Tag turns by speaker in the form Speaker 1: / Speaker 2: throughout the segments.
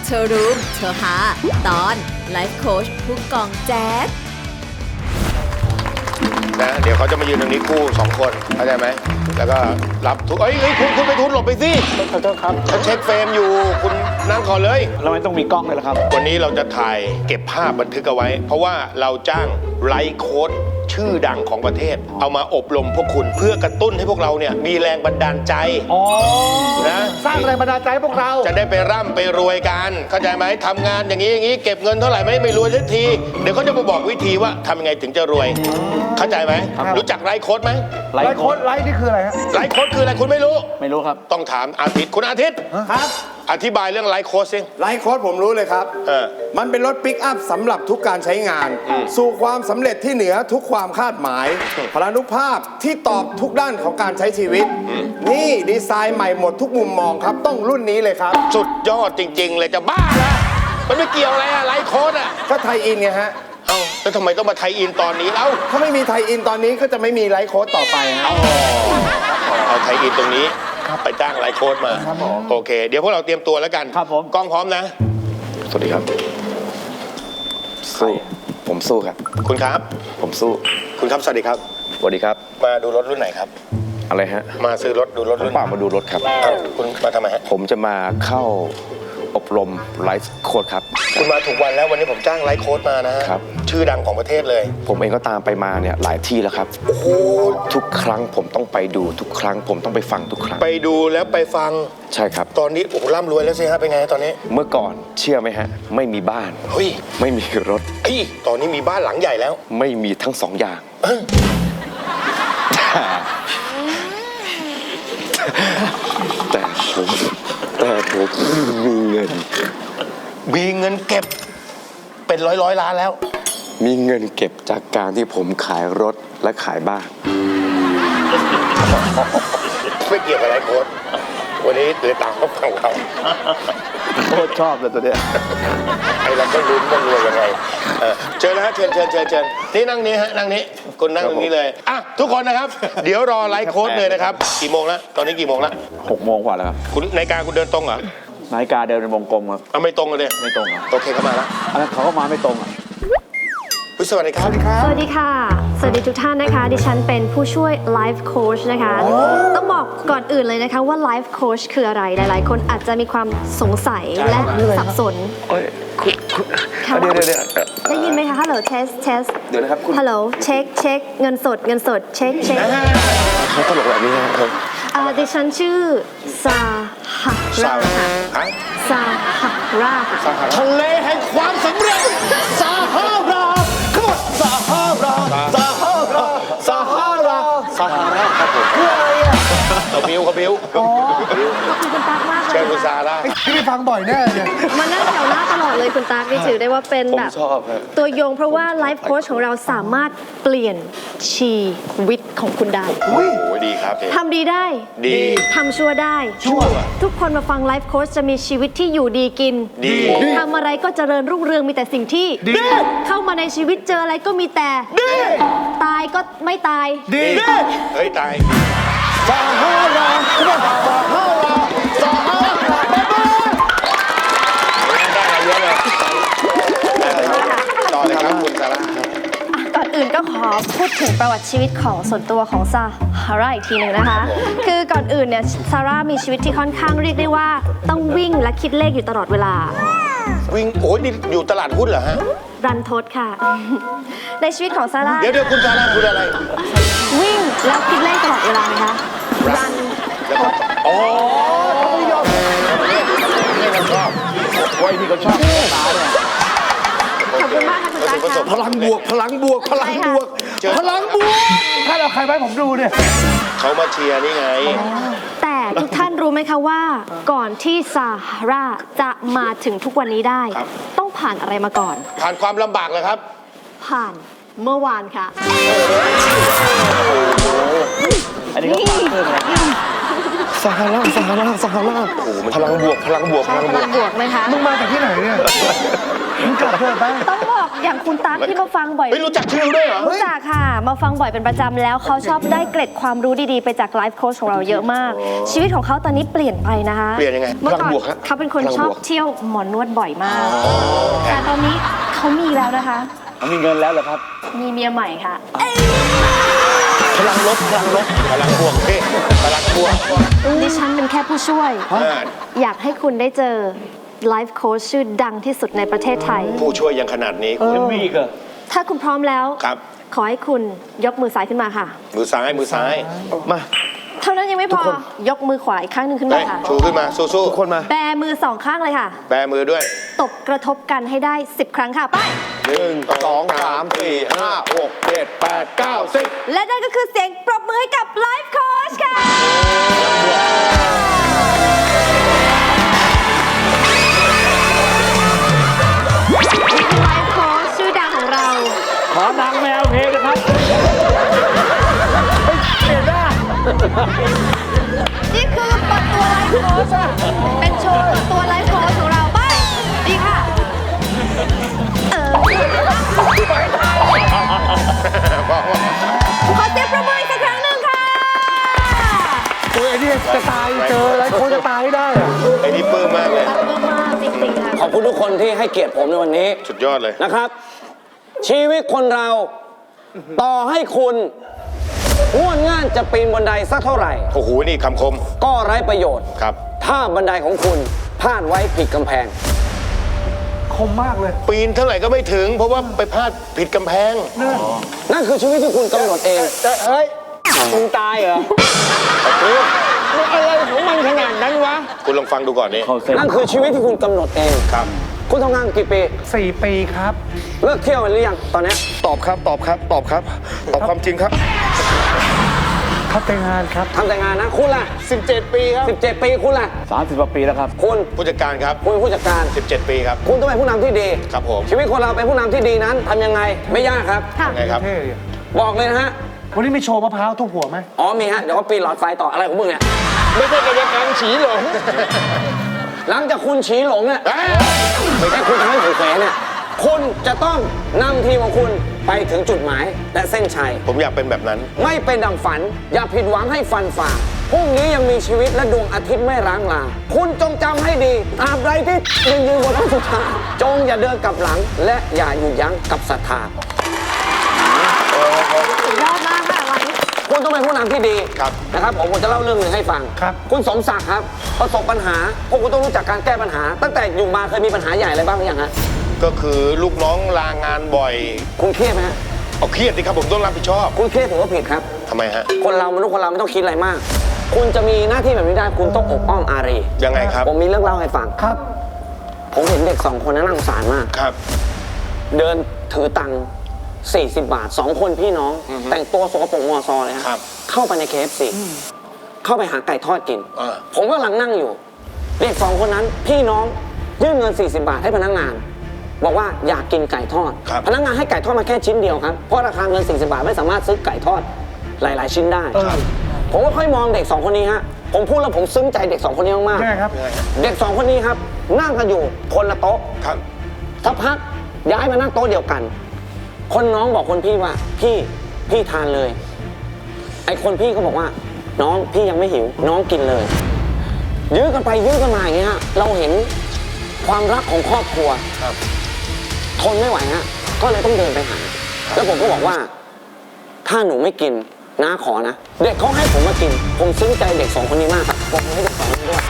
Speaker 1: เธอรู้เธอหาตอนไลฟ์โค้ชผู้กองแจ๊ด
Speaker 2: นะเดี๋ยวเขาจะมายืนตรงนี้คู่2 คนเข้าใจไหมแล้วก็รับทุกคุณไปทุนหลบไปสิ
Speaker 3: ขอโทษครับ
Speaker 2: ฉันเช็คเฟรมอยู่คุณนั่งก่อนเลย
Speaker 3: เราไม่ต้องมีกล้องเลยเหรอครับ
Speaker 2: วันนี้เราจะถ่ายเก็บภาพบันทึกเอาไว้เพราะว่าเราจ้างไลฟ์โค้ชชื่อดังของประเทศเอามาอบรมพวกคุณเพื่อกระตุ้นให้พวกเราเนี่ยมีแรงบันดาลใจนะ
Speaker 3: สร้างแรงบันดาลใจให้พวกเรา
Speaker 2: จะได้ไปร่ำไปรวยกันเข้าใจไหมทำงานอย่างนี้เก็บเงินเท่าไหร่ไม่รวยสักทีเดี๋ยวเขาจะมาบอกวิธีว่าทำยังไงถึงจะรวยเข้าใจไหมรู้จักไลฟ์โค้ชไหม
Speaker 3: ไลฟ์โค้ชไลฟ์นี่คืออะไรฮะ
Speaker 2: ไลฟ์โค้ชคืออะไรคุณไม่รู้
Speaker 3: ครับ
Speaker 2: ต้องถามอาทิตย์คุณอาทิตย์
Speaker 4: ครับ
Speaker 2: อธิบายเรื่องไลฟ์โค้ชสิ
Speaker 4: ไลฟ์โค้ชผมรู้เลยครับมันเป็นรถปิกอัพสำหรับทุกการใช้งานสู่ความสำเร็จที่เหนือทุกความคาดหมายพลานุภาพที่ตอบทุกด้านของการใช้ชีวิตนี่ดีไซน์ใหม่หมดทุกมุมมองครับต้องรุ่นนี้เลยครับ
Speaker 2: สุดยอดจริงๆเลยจะบ้าละมันไม่เกี่ยวอะไรอะไลฟ์โค้ชอะ
Speaker 4: ก็ไทยอินไงฮะ
Speaker 2: เอ้าแล้วทำไมต้องมาไทยอินตอนนี้เอ้า
Speaker 4: ถ้าไม่มีไทยอินตอนนี้ก็จะไม่มีไลฟ์โค้ชต่อไปฮะ
Speaker 2: เอาไทยอินตรงนี้ไปจ้างไลฟ์โค้ชมาโอเคเดี๋ยวพวกเราเตรียมตัวแล้วกัน
Speaker 3: ครับผม
Speaker 2: กล้องพร้อมนะ
Speaker 5: สวัสดีครับสู้ผมสู้ครับ
Speaker 2: คุณครับ
Speaker 5: ผมสู้
Speaker 2: คุณครับสวัสดีครับ
Speaker 5: สวัสดีครับ
Speaker 2: มาดูรถรุ่นไหนครับ
Speaker 5: อะไรฮะ
Speaker 2: มาซื้อรถดูรถรุ่น
Speaker 5: เปล่ามาดูรถครับ
Speaker 2: คุณมาทำไมฮะ
Speaker 5: ผมจะมาเข้าอบรมไลฟ์โค้ชครับ
Speaker 2: คุณมาถูกวันแล้ววันนี้ผมจ้างไลฟ์โค้ชมานะฮะชื่อดังของประเทศเลย
Speaker 5: ผมเองก็ตามไปมาเนี่ยหลายที่แล้วครับ
Speaker 2: โอ้โห
Speaker 5: ทุกครั้งผมต้องไปดูทุกครั้งผมต้องไปฟังทุกครั้ง
Speaker 2: ไปดูแล้วไปฟัง
Speaker 5: ใช่ครับ
Speaker 2: ตอนนี้โอ้ร่ำรวยแล้วสิฮะเป็นไงตอนนี้
Speaker 5: เมื่อก่อนเชื่อไหมฮะไม่มีบ้าน
Speaker 2: เฮ้ย
Speaker 5: ไม่มีรถ
Speaker 2: ตอนนี้มีบ้านหลังใหญ่แล้ว
Speaker 5: ไม่มีทั้ง2 อย่างแต่ผมมีเงิน
Speaker 2: เก็บเป็นร้อยล้านแล้ว
Speaker 5: มีเงินเก็บจากการที่ผมขายรถและขายบ้าน
Speaker 2: ไม่เกี่ยวกับอะไรโค้ชวันนี้เลยตามเขาฟังเขา
Speaker 3: โคตรชอบเลยตัวเนี้ย
Speaker 2: ไอ้เราก็ลุ้นว่ารวยยังไงเชิญนะฮะเชิญนี่นั่งนี้ฮะนั่งนี้คุณนั่งตรงนี้เลยอ่ะทุกคนนะครับเดี๋ยวรอไลฟ์โค้ชเลยนะครับกี่โมงแล้วตอนนี้กี่โมงแล้ว
Speaker 3: 6 โมงกว่าแล้วครับ
Speaker 2: คุณนาฬิกาคุณเดินตรงเหรอ
Speaker 3: นาฬิกาเดินเป็นวงกลมครับ
Speaker 2: ไม่ตรงเลย
Speaker 3: ไม่ตรงครับ
Speaker 2: โอเคเข้ามาแล้ว
Speaker 3: เขาก็มาไม่ตรงอ่ะ
Speaker 2: สวัสดีครับ
Speaker 6: สวัสดีค่ะสวัสดีทุกท่านนะคะดิฉันเป็นผู้ช่วยไลฟ์โค้ชนะคะต้องบอกก่อนอื่นเลยนะคะว่าไลฟ์โค้ชคืออะไรหลายๆคนอาจจะมีความสงสัยและสับสน
Speaker 5: เดี๋ยว
Speaker 6: ได้ยินไหมคะฮัลโหลเทส
Speaker 5: เดี๋ยวนะครับคุณ
Speaker 6: ฮัลโหลเช็คเงินสดเช็ค
Speaker 5: เขาตลกแบบนี้ครับ
Speaker 6: ดิฉันชื่อซาฮารา
Speaker 4: ทะเลแห่งความสำเร็จซาฮาราขมวดซาฮารา
Speaker 2: ครับผม
Speaker 4: คืออะไรอ่ะ
Speaker 2: เขาบิ้ว
Speaker 6: ขอบคุณคุณตั๊กมากเลย
Speaker 2: เชิญคุณซาร่า
Speaker 4: ที่ไปฟังบ่อยแน่เลย
Speaker 6: มานั่งแถวหน้าตลอดเลยคุณตั๊กนี่ถือได้ว่าเป็นแบบตัวยงเพราะว่าไลฟ์โค้ชของเราสามารถเปลี่ยนชีวิตของคุณได้
Speaker 2: โอ้ดีครับ
Speaker 6: ทำดีได้
Speaker 2: ดี
Speaker 6: ทำชั่วได้ทุกคนมาฟังไลฟ์โค้ชจะมีชีวิตที่อยู่ดีกิน
Speaker 2: ดี
Speaker 6: ทำอะไรก็เจริญรุ่งเรืองมีแต่สิ่งที่ดีเข้ามาในชีวิตเจออะไรก็มีแต่
Speaker 4: ดี
Speaker 6: ตายก็ไม่ตาย
Speaker 4: ดี
Speaker 2: เฮ้ยตาย
Speaker 4: ซาฮารา
Speaker 2: ต่อเลยครับคุณซาร่า
Speaker 6: ก่อนอื่นก็ขอพูดถึงประวัติชีวิตของส่วนตัวของซาร่าอีกทีหนึ่งนะคะคือก่อนอื่นเนี่ยซาร่ามีชีวิตที่ค่อนข้างเรียกได้ว่าต้องวิ่งและคิดเลขอยู่ตลอดเวลา
Speaker 2: วิ่งโอ้ยนี่อยู่ตลาดหุ้นเหรอฮะ
Speaker 6: รันทดค่ะในชีวิตของซาร่า
Speaker 2: เดี๋ยวคุณซาร่าคุณอะไร
Speaker 6: วิ่งแล้วคิดเลขตลอดเวลานะคะรันทด
Speaker 2: อ๋อเขาไม่ยอมไม่ชอบ
Speaker 3: โอ้ยนี่ก็ชอบตาเนี่ย
Speaker 6: ขอบคุณมากค่ะคุณตาค่ะ
Speaker 4: พลังบวกถ้าเราใครไว้ผมดูเนี่ย
Speaker 2: เขามาเชียร์นี่ไง
Speaker 6: แต่ทุกท่านรู้ไหมคะว่าก่อนที่ซาร่าจะมาถึงทุกวันนี้ได้ต้องผ่านอะไรมาก่อน
Speaker 2: ผ่านความลำบากเลยครับ
Speaker 6: ผ่านเมื่อวานค่ะ
Speaker 3: อันนี้ก็ผ่านเพิ่มนะ
Speaker 5: ซาฮารา
Speaker 2: พลังบวก
Speaker 6: ไหมคะ
Speaker 4: มึงมาจากที่ไหนเนี่ย
Speaker 6: ต้องบอกอย่างคุณตั๊กที่มาฟังบ่อย
Speaker 2: ไม่รู้จักชื่อด้วยเหรอ
Speaker 6: รู้จักค่ะ มาฟังบ่อยเป็นประจำแล้วเขาชอบได้เกร็ดความรู้ดีๆ ไปจากไลฟ์โค้ชของเราเยอะมาก ชีวิตของเขาตอนนี้เปลี่ยนไปนะคะ
Speaker 2: เปลี่ยนยังไง
Speaker 6: เมื่อก่อน
Speaker 2: พลังบวกฮะ
Speaker 6: เขาเป็นคน
Speaker 2: พลังบวก
Speaker 6: ชอบเที่ยวหมอนวดบ่อยมาก แต่ตอนนี้เขามีแล้วนะคะ
Speaker 3: เขามีเงินแล้วเหรอครับ
Speaker 6: มีเมียใหม่ค่ะ
Speaker 2: พลังลบพลังลบพลังบวกพี่พลังบวก
Speaker 6: ดิฉันเป็นแค่ผู้ช่วย
Speaker 2: อ่า
Speaker 6: อยากให้คุณได้เจอไลฟ์โค้ชชื่อดังที่สุดในประเทศไทย
Speaker 2: ผู้ช่วยยังขนาดนี้คุณ
Speaker 3: ยังมีอีกเหรอ
Speaker 6: ถ้าคุณพร้อมแล้ว
Speaker 2: ครับ
Speaker 6: ขอให้คุณยกมือซ้ายขึ้นมาค่ะ
Speaker 2: มือซ้ายมือซ้าย
Speaker 5: มา
Speaker 6: เท่านั้นยังไม่พอ ยกมือขวาอีกข้างหนึ่งขึ้น
Speaker 2: เฮ้
Speaker 6: มาย ค่ะ
Speaker 2: ชูขึ้นมาสู้
Speaker 5: ทุกคนมา
Speaker 6: แบมือสองข้างเลยค่ะ
Speaker 2: ๆแบมือด้วย
Speaker 6: ตบกระทบกันให้ได้ 10 ครั้งค่ะไป
Speaker 5: 1 2 3 4 5 6 7 8 9 10
Speaker 6: และนั่นก็คือเสียงปรบมือให้กับไลฟ์โค้ชค่ะไลฟ์โค้ชชื่อดังของเรา
Speaker 3: ขอนางแมวเพลงนะครับ
Speaker 6: นี่คือเปิดตัวไลฟ์โค้ชเป็นโชว์เปิดตัวไลฟ์โค้ชของเราไปดีค่ะ ขอเสียงปรบมืออีกสักครั้งหนึ่งค่ะ
Speaker 5: โอ้ยไอ้นี่จะตายเจอแล้วคนจะตายให้ได้อะ
Speaker 2: ไอ้นี่ปลื้มมากเลย
Speaker 6: รักมากๆจริงๆค่ะ
Speaker 7: ขอบคุณทุกคนที่ให้เกียรติผมในวันนี้
Speaker 2: สุดยอดเลย
Speaker 7: นะครับ ชีวิตคนเราต่อให้คุณง่วนง่านจะปีนบันไดสักเท่าไหร่
Speaker 2: โอ้โห นี่คำคม
Speaker 7: ก็ไร้ประโยชน์
Speaker 2: ครับ
Speaker 7: ถ้าบันไดของคุณพลาดไว้ผิดกำแพง
Speaker 2: ปีนเท่าไหร่ก็ไม่ถึง เพราะว่าไปพลาดผิดกำแพง
Speaker 7: นั่นคือชีวิตที่คุณกำหนดเอง
Speaker 3: เฮ้ยมึงตายเหรอมันอะไรของมันขนาดนั้นวะ
Speaker 2: คุณลองฟังดูก่อนนี่
Speaker 7: นั่นคือชีวิตที่คุณกำหนดเอง
Speaker 2: ครับ
Speaker 7: คุณทำงานกี่ปี
Speaker 5: 4 ปีครับ
Speaker 7: เลิกเที่ยวไปหรือยังตอนเนี้ย
Speaker 5: ตอบครับ ตอบครับ ตอบครับ ตอบความจริงครับ
Speaker 7: ทำแต่งานนะ คุณล่ะ
Speaker 2: 17 ปีครับ
Speaker 7: 17 ปีคุณล่ะ
Speaker 3: 30 กว่าปีแล้วครับ
Speaker 7: คุณ
Speaker 2: ผู้จัดการครับ
Speaker 7: คุณเป็นผู้จัดการ
Speaker 2: 17 ปีครับ
Speaker 7: คุณต้องเป็นผู้นำที่ดี
Speaker 2: ครับผม
Speaker 7: ชีวิตคนเราเป็นผู้นำที่ดีนั้นทำยังไงไม่ยากครับ
Speaker 6: ค่ะ
Speaker 2: ไงครับ
Speaker 7: บอกเลยนะฮะ
Speaker 5: วันนี้มีโชว์มะพร้าวทุบหัวไหม
Speaker 7: อ๋อมีฮะ เดี๋ยวก็ปีนหลอดไฟต่ออะไรของมึงเนี่ย
Speaker 2: ไม่ใช่กายกรรมฉีหลง
Speaker 7: หลังจากคุณฉีหลงเนี่ยไม่ใช่คุณทำให้ผมแขวนเนี่ย คุณจะต้องนำทีมของคุณไปถึงจุดหมายและเส้นชัย
Speaker 2: ผมอยากเป็นแบบนั้น
Speaker 7: ไม่เป็นดังฝัน อย่าผิดหวังให้ฟันฝ่าพรุ่งนี้ยังมีชีวิตและดวงอาทิตย์ไม่ร้างลา คุณจงจำให้ดีตราบใดที่ยืนบนท้องสุธาจงอย่าเดินกลับหลัง และอย่าหยุดยั้งกับศรัทธา
Speaker 6: สุดยอดมากค่ะวันนี้
Speaker 7: คุณต้องเป็นผู้นำที่ดี
Speaker 2: ครับ
Speaker 7: นะครับผมจะเล่าเรื่องหนึ่งให้ฟัง
Speaker 5: ครับ
Speaker 7: คุณสมศักดิ์ครับประสบปัญหาพวกคุณต้องรู้จักการแก้ปัญหา ตั้งแต่อยู่มาเคยมีปัญหาใหญ่อะไรบ้างหรือยังฮะ
Speaker 2: ก็คือลูกน้องลางานบ่อย
Speaker 7: คุณเครียดไหมฮะ
Speaker 2: เอาเครียดสิครับผมต้องรับผิดชอบ
Speaker 7: คุณเครียดผมว่าผิดครับ
Speaker 2: ทำไมฮะ
Speaker 7: คนเรามนุษย์คนเราไม่ต้องคิดอะไรมาก คุณจะมีหน้าที่แบบนี้ได้คุณต้องอบอ้อมอารี
Speaker 2: ยังไงครับ
Speaker 7: ผมมีเรื่องเล่าให้ฟัง
Speaker 5: ครับ
Speaker 7: ผมเห็นเด็ก2 คนนั้นน่าสงสารมาก
Speaker 2: ครับ
Speaker 7: เดินถือตังค์40 บาท 2 คนพี่น้อง แต่งตัวสกปรกมอซอเลย
Speaker 2: ครับ
Speaker 7: เข้าไปใน KFC เข้าไปหาไก่ทอดกิน
Speaker 2: อ่า
Speaker 7: ผมกำลังนั่งอยู่ เด็ก 2 คนนั้นพี่น้องยื่นเงิน40 บาทให้พนักงาน บอกว่าอยากกินไก่ทอด
Speaker 2: ครับ
Speaker 7: พนักงานให้ไก่ทอดมาแค่ชิ้นเดียวครับเพราะราคาเงิน40 บาทไม่สามารถซื้อไก่ทอดหลาย ๆ ชิ้นได้ ผมก็ค่อยมองเด็ก 2 คนนี้ฮะผมพูดแล้วผมซึ้งใจเด็ก 2 คนนี้มาก
Speaker 5: ยังไงครับ
Speaker 7: ๆเด็ก 2 คนนี้ครับนั่งกันอยู่คนละโต๊ะ
Speaker 2: ครับ
Speaker 7: สักพักย้ายมานั่งโต๊ะเดียวกัน คนน้องบอกคนพี่ว่าพี่ทานเลย ไอ้คนพี่ก็บอกว่า น้องพี่ยังไม่หิว น้องกินเลย ยื้อกันไปยื้อกันมาอย่างเงี้ยเราเห็นความรักของครอบครัว
Speaker 2: ครับ
Speaker 7: ทนไม่ไหวฮะก็เลยต้องเดินไปหา แล้วผมก็บอกว่า ถ้าหนูไม่กินน้าขอนะ เด็กเขาให้ผมมากิน ผมซึ้งใจเด็ก 2 คนนี้มากครับผมให้เด็ก 2 คนนี้ด้วย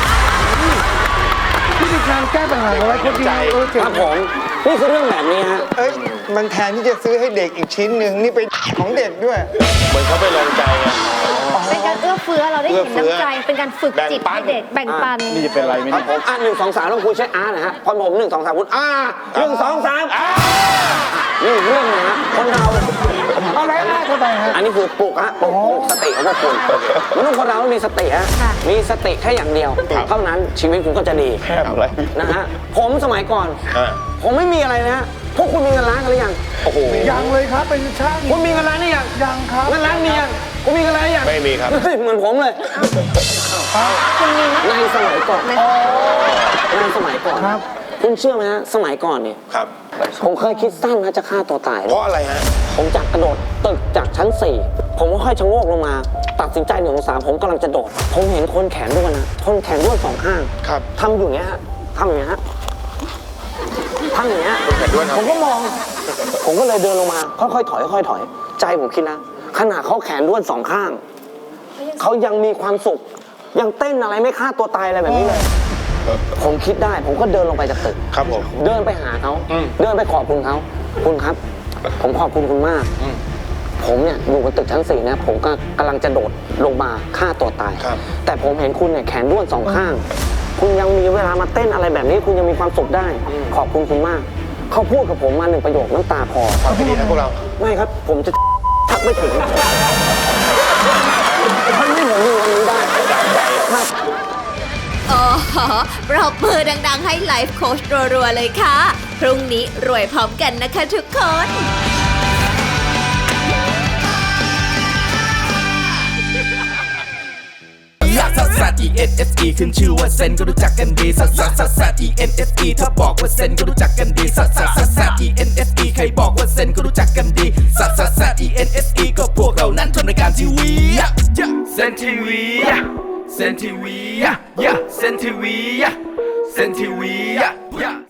Speaker 5: วิธีการแก้ปัญหาของไอ้คนดีเจ๋ง
Speaker 7: ครับผมนี่คือเรื่องแบบนี้ฮะ
Speaker 8: เอ้ย มันแทนที่จะซื้อให้เด็กอีกชิ้นหนึ่งนี่เป็นของเด็กด้วย
Speaker 2: เหมือนเขาไปลองใจไง
Speaker 6: เป็นการเอื้อเฟื้อเราได้เห็น
Speaker 2: เอื้อเฟื้อ
Speaker 6: น้ำใจ เป็นการฝึกจิต
Speaker 2: แบ่งปัน
Speaker 6: ให้เด็กแบ่งปัน
Speaker 3: นี่จะเป็นอะไรไหม
Speaker 7: ครั
Speaker 3: เนี่
Speaker 7: บ
Speaker 3: ย
Speaker 7: ผม1 2 3ต้องคุยใช้อาร์นะฮะพอผม1 2 3คุณ1 2 3นี่เรื่องนะฮะคนเรา
Speaker 5: เอาแล้วหน้าเข้าไปฮะ
Speaker 7: อันนี้คือปลุกฮะปลุกสติของพวกคุณมนุษย์คนเราต้องมีสติฮะ
Speaker 6: ค่ะ
Speaker 7: มีสติแค่อย่างเดียว เท่านั้นชีวิตคุณก็จะดี
Speaker 3: แค่อะไร
Speaker 7: นะฮะผมสมัยก่อน
Speaker 2: อ่า
Speaker 7: ผมไม่มีอะไรนะฮะพวกคุณมีเงินล้านกันหรือยัง
Speaker 2: โอ้โห
Speaker 5: ยังเลยครับ เป็นช่าง
Speaker 7: คุณมีเงินล้านหรือยัง
Speaker 5: ยังครับ
Speaker 7: เงินล้านมียังคุณมีเงินล้านหรือยัง
Speaker 2: ไม่มีครับ
Speaker 7: เฮ้ยเหมือนผมเลย
Speaker 6: คุณมีไหม
Speaker 7: ในสมัยก่อนในสมัยก่อน
Speaker 5: ครับ
Speaker 7: คุณเชื่อไหมฮะสมัยก่อนเนี่ย
Speaker 2: ครับ
Speaker 7: ผมเคยคิดสั้นนะจะฆ่าตัวตาย
Speaker 2: เพราะอะไรฮะ
Speaker 7: ผมจากกระโดดตึกจากชั้น 4 ผมก็ค่อยชะโงกลงมา ตัดสินใจ1 องศาผมกำลังจะโดด ผมเห็นคนแขนด้วนนะคนแขนด้วน2 ข้าง
Speaker 2: ครับ
Speaker 7: ทำอยู่อย่างเงี้ยฮะทำอย่างเงี้ยฮะทำอย่างเงี้ย
Speaker 2: คนแขนด้วนครับ
Speaker 7: ผมก็มอง ผมก็เลยเดินลงมาค่อยๆถอยค่อยๆถอย ใจผมคิดนะขนาดเขาแขนด้วน2 ข้างเขายังมีความสุขยังเต้นอะไรไม่ฆ่าตัวตายอะไรแบบนี้เลยผมคิดได้ผมก็เดินลงไปจากตึก
Speaker 2: ครับผม
Speaker 7: เดินไปหาเขา เดินไปขอบคุณเขา คุณครับ ผมขอบคุณคุณมาก ผมเนี่ยอยู่บนตึกชั้น 4 นะ ผมก็กำลังจะโดดลงมาฆ่าตัวตาย
Speaker 2: ครับ
Speaker 7: แต่ผมเห็นคุณเนี่ยแขนด้วน2 ข้าง คุณยังมีเวลามาเต้นอะไรแบบนี้ คุณยังมีความสุขได้ ขอบคุณคุณมาก เขาพูดกับผมมา1 ประโยคน้ำตาคลอ
Speaker 2: ฟังให้ดีนะพวกเรา
Speaker 7: ไม่ครับ ผมจะทักไม่ถึงทำให้ผมมีวันนี้ได้ครับ
Speaker 1: อ๋อปรบมือดังๆให้ไลฟ์โค้ชรัวๆเลยค่ะ พรุ่งนี้รวยพร้อมกันนะคะทุกคน
Speaker 9: ซัสซัส E N S E ขึ้นชื่อว่าเซนก็รู้จักกันดีซัสซัสซัสซัส E N S E ถ้าบอกว่าเซนก็รู้จักกันดีซัสซัสซัสซัส E N S E ใครบอกว่าเซนก็รู้จักกันดีซัสซัสซัส E N S E ก็พวกเรานั้นทำรายการทีวีเซนทีวีเซนทีวีเซนทีวีเซนทีวี